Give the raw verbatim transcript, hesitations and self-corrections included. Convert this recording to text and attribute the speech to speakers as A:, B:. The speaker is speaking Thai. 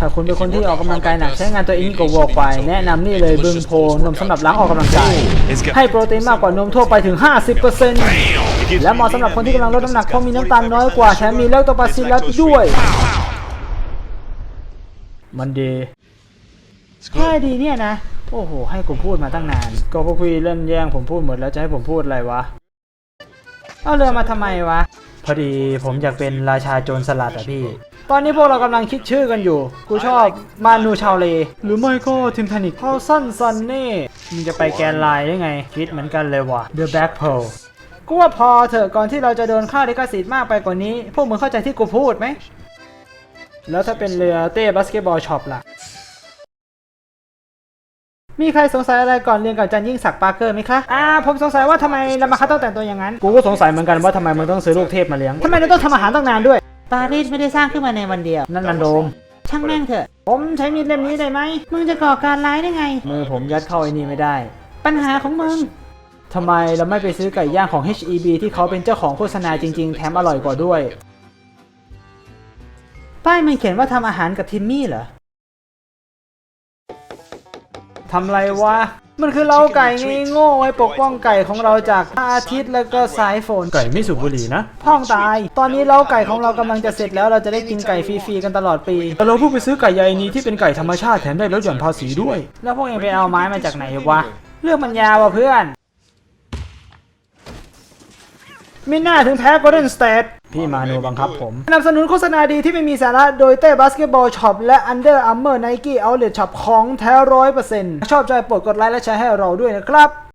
A: ถ้าคุณเป็นคนที่ออกกำลังกายหนักใช้งานตัวเองก็วอล์กไปแนะนำนี่เลยบึงโพนมสำหรับล้างออกกำลังกายให้โปรตีนมากกว่านมทั่วไปถึง ห้าสิบเปอร์เซ็นต์ และเหมาะสำหรับคนที่กำลังลดน้ำหนักเพราะมีน้ำตาลน้อยกว่าแถมมีแลคโตบาซิลลัสด้วยมันดีแค่ดีเนี่ยนะโอ้โหให้ผมพูดมาตั้งนานก็พวกพี่เล่นแย่งผมพูดหมดแล้วจะให้ผมพูดอะไรวะเอาเรือมาทำไมวะพอดีผมอยากเป็นราชาโจรสลัดอะพี่ตอนนี้พวกเรากำลังคิดชื่อกันอยู่กูชอบมานูชาวเลหรือไม่ก็ทิมทานิกพาวซันซันเน่มึงจะไปแกนไลน์ได้ไงคิดเหมือนกันเลยว่ะ The Black Pearl กูว่าพอเถอะก่อนที่เราจะโดนค่าลิขสิทธิ์มากไปกว่านี้พวกมึงเข้าใจที่กูพูดไหมแล้วถ้าเป็นเรือเต้บาสเกตบอลช็อปล่ะมีใครสงสัยอะไรก่อนเรียนกับอาจารย์ยิ่งศักดิ์ปาร์เกอร์ไหมคะอ่าผมสงสัยว่าทำไมลามาคัตต้องแต่งตัวอย่างนั้นกูก็สงสัยเหมือนกันว่าทำไมมึงต้องซื้อลูกเทพมาเลี้ยงทำไมเราต้องทำอาหารตั้งนานด้วยปารีสไม่ได้สร้างขึ้นมาในวันเดียวนั่นนันโดมช่างแม่งเถอะผมใช้มีดเล่มนี้ได้ไหมมึงจะก่อการร้ายได้ไงมือผมยัดเข้าไอ้นี่ไม่ได้ปัญหาของมึงทำไมเราไม่ไปซื้อไก่ย่างของ เอช อี บี ที่เขาเป็นเจ้าของโฆษณาจริงๆแถมอร่อยกว่าด้วยป้ายมันเขียนว่าทำอาหารกับทิมมี่เหรอทำไรวะมันคือเล้าไก่ไงโง่ไว้ปกป้องไก่ของเราจากอาทิตย์แล้วก็สายฝนไก่ไม่สูบบุหรี่นะพ่องตายตอนนี้เล้าไก่ของเรากำลังจะเสร็จแล้วเราจะได้กินไก่ฟรีๆกันตลอดปีแต่เราเพิ่งไปซื้อไก่ใยนี้ที่เป็นไก่ธรรมชาติแถมได้ลดหย่อนภาษีด้วยแล้วพวกเองไปเอาไม้มาจากไหนวะเรื่องมันยาวว่ะเพื่อนมิน่าถึงแพ้ Golden State พี่มาโนบังคับผมสนับสนุนโฆษณาดีที่ไม่มีสาระโดยเต้บาสเกตบอลช็อปและ Under Armour Nike Outlet Shop ของแท้ ร้อยเปอร์เซ็นต์ ชอบใจโปรดกดไลค์และแชร์ให้เราด้วยนะครับ